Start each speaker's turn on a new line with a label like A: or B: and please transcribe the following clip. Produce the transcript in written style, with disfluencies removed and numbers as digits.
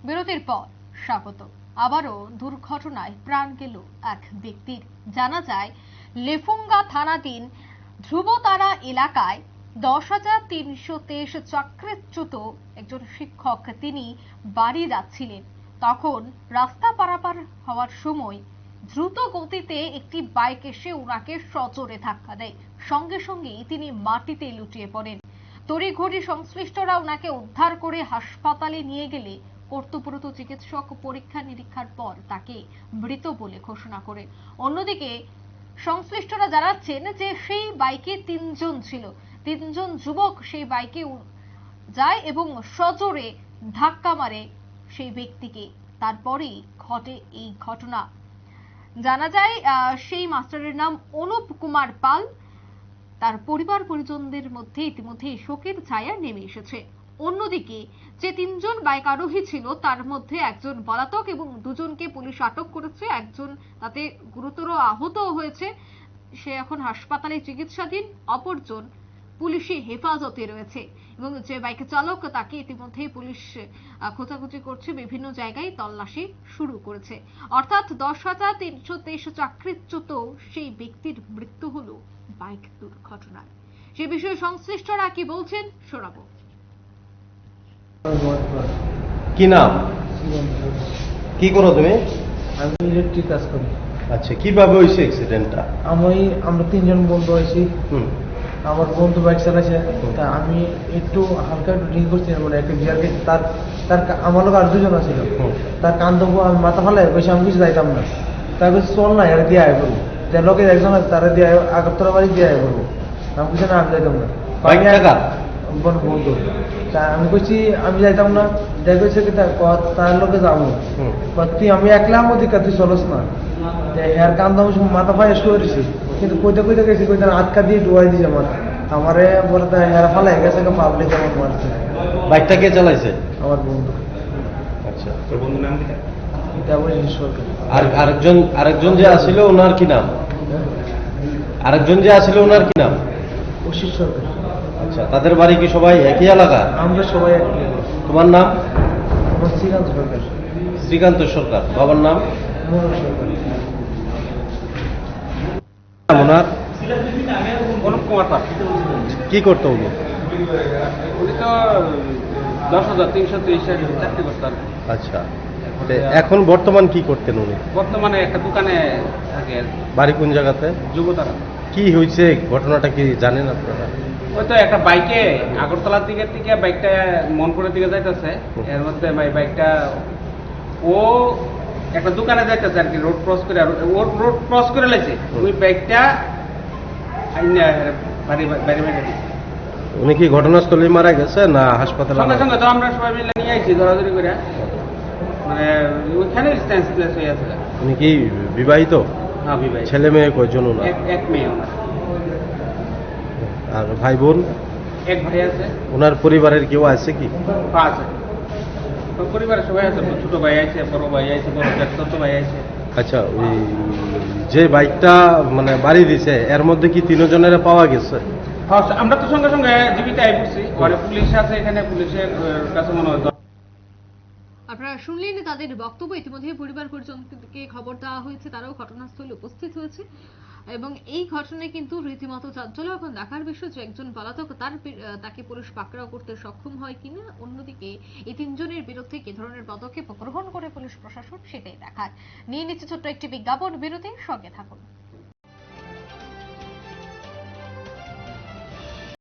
A: বিরতির পর স্বাগত। আবারও দুর্ঘটনায় প্রাণ গেল এক ব্যক্তির। জানা যায় লেফুঙ্গা থানাধীন ধ্রুবতারা এলাকায় 10,323 চাকরিচ্যুত একজন শিক্ষক তিনি বাড়ি যাচ্ছিলেন। তখন রাস্তা পারাপার হওয়ার সময় দ্রুত গতিতে একটি বাইক এসে ওনাকে সজোরে ধাক্কা দেয়। সঙ্গে সঙ্গেই তিনি মাটিতে লুটিয়ে পড়েন। তড়িঘড়ি সংশ্লিষ্টরা ওনাকে উদ্ধার করে হাসপাতালে নিয়ে গেলে কর্তব্যরত চিকিৎসক পরীক্ষা নিরীক্ষার পর তাকে মৃত বলে ঘোষণা করেন। অন্যদিকে সংশ্লিষ্টরা জানাচ্ছেন যে সেই বাইকে 3 জন ছিল, 3 জন যুবক সেই বাইকে যায় এবং সজোরে ধাক্কা মারে সেই ব্যক্তিকে। তারপরেই ঘটে এই ঘটনা। জানা যায় সেই মাস্টারের নাম অনুপ কুমার পাল। তার পরিবার পরিজনদের মধ্যে ইতিমধ্যে শোকের ছায়া নেমে এসেছে। অন্যদিকে যে 3 জন বাইক আরোহী ছিল তার মধ্যে একজন পলাতক এবং 2 জনকে পুলিশ আটক করেছে। একজন তাতে গুরুতর আহত হয়েছে, সে এখন হাসপাতালে চিকিৎসাধীন। অপরজন পুলিশি হেফাজতে রয়েছে এবং যে বাইক চালক তাকে ইতিমধ্যেই পুলিশ খোঁজাখুঁজি করছে, বিভিন্ন জায়গায় তল্লাশি শুরু করেছে। অর্থাৎ 10,323 চাকরিচ্যুত সেই ব্যক্তির মৃত্যু হলো বাইক দুর্ঘটনায়। সে বিষয়ে সংশ্লিষ্টরা কি বলছেন শোনাবো।
B: কি নাম, কি করো তুমি?
C: আমি ইলেকট্রিক কাজ করি।
B: আচ্ছা, কিভাবে হয়েছে অ্যাক্সিডেন্টটা?
C: আমরা 3 জন বন্ধু হয়েছি। আমার বন্ধু বাইক চালাইছে, তা আমি একটু হালকা একটু ড্রিঙ্ক করছি, মানে একটা বিয়ার খেয়েছি। তার আমার লোক আর 2 জন ছিল। তার কান দেবো আমি মাথা ফালাই বসে, আমি কিছু যাইতাম না। তার কাছে চল না, এরা দিয়ে আয় করবো। তার লোকের একজন আছে, তারা দিয়ে আগরতলা বাড়ি দিয়ে আয় করবো। আমি কিছু না, আমি যাইতাম না। বন্ধু তা আমি কইছি আমি যাইতাম না। দেখেছে কি তার লোকে যাবো, তুই আমি একলা অধিকার, তুই চলস না। হেয়ার কান দাম মাথা ফাই শুয়েছি, কিন্তু কইতে কইতে গেছি, কইতে আটকা দিয়ে ডুয়াই দিয়েছে মাথা। আমারে বলে হেয়ার ফালাই গেছে, পাবলিক আমার মারছে।
B: বাইকটা কে চালাইছে?
C: আমার বন্ধু।
B: আচ্ছা,
D: তোর বন্ধুর নাম কি?
B: আর আরেকজন যে আসিল ওনার কি নাম? আরেকজন যে আসিল ওনার কি নাম?
C: অশিস সরকার।
B: আচ্ছা, তাদের বাড়ি কি সবাই একই এলাকা?
C: আমরা সবাই একই।
B: তোমার নাম?
C: আমার শ্রীকান্ত সরকার।
B: শ্রীকান্ত সরকার। বাবার নাম?
C: মোহন সরকার।
B: ওনার
D: অনুপ কুমার পাল।
B: কি করতো উনি?
D: উনি তো 10,323 চাকরি করতেন।
B: আচ্ছা, এখন বর্তমান কি করতেন উনি?
D: বর্তমানে একটা দোকানে থাকে।
B: বাড়ি কোন জায়গাতে?
D: যুবতারা।
B: কি হয়েছে ঘটনাটা কি জানেন আপনারা?
D: ওই তো একটা বাইকে আগরতলার দিকে বাইকটা মনপুরের দিকে যাইতেছে। এর মধ্যে বাইকটা ও একটা দোকানে যাইতেছে আর কি, রোড ক্রস করে। ওর রোড ক্রস করে লাইছে, ওই বাইকটা বাড়ি দিচ্ছে।
B: উনি কি ঘটনাস্থলে মারা গেছে না হাসপাতালে?
D: সঙ্গে সঙ্গে তো আমরা সবাই মিলে নিয়ে আইছি ধরাধরি করে, মানে ওইখানে সেন্সলেস হয়ে আছে।
B: উনি কি বিবাহিত?
D: হ্যাঁ, বিবাহিত।
B: ছেলে মেয়ে কয়জন ওনার?
D: এক মেয়ে ওনার।
B: আর ভাই বোন?
D: এক ভাই আছে।
B: ওনার পরিবারের কেউ আছে কি?
D: আছে, পরিবারের সবাই আছে। ছোট ভাই আছে, বড় ভাই আছে, বড় ছোট ভাই আছে।
B: আচ্ছা, ওই যে বাইকটা মানে বাড়ি দিছে এর মধ্যে কি 3 জনের পাওয়া গেছে?
D: আমরা তো সঙ্গে সঙ্গে জীবিত আই পড়ছি, ঘরে পুলিশ আছে, এখানে পুলিশের কাছে মনে হয়।
A: আপনারা শুনলেন তাদের বক্তব্য। ইতিমধ্যে পরিবার পরিজনকে খবর দেওয়া হয়েছে, তারাও ঘটনাস্থলে উপস্থিত হয়েছে এবং এই ঘটনায় কিন্তু রীতিমতো চাঞ্চল্য। এখন দেখার বিষয় যে একজন পলাতক তাকে পুলিশ পাকড়াও করতে সক্ষম হয় কিনা। অন্যদিকে এই 3 জনের বিরুদ্ধে কি ধরনের পদক্ষেপ গ্রহণ করে পুলিশ প্রশাসন, সেটাই দেখার। নিয়ে নিচ্ছে ছোট্ট একটি বিজ্ঞাপন বিরতি, সঙ্গে থাকুন।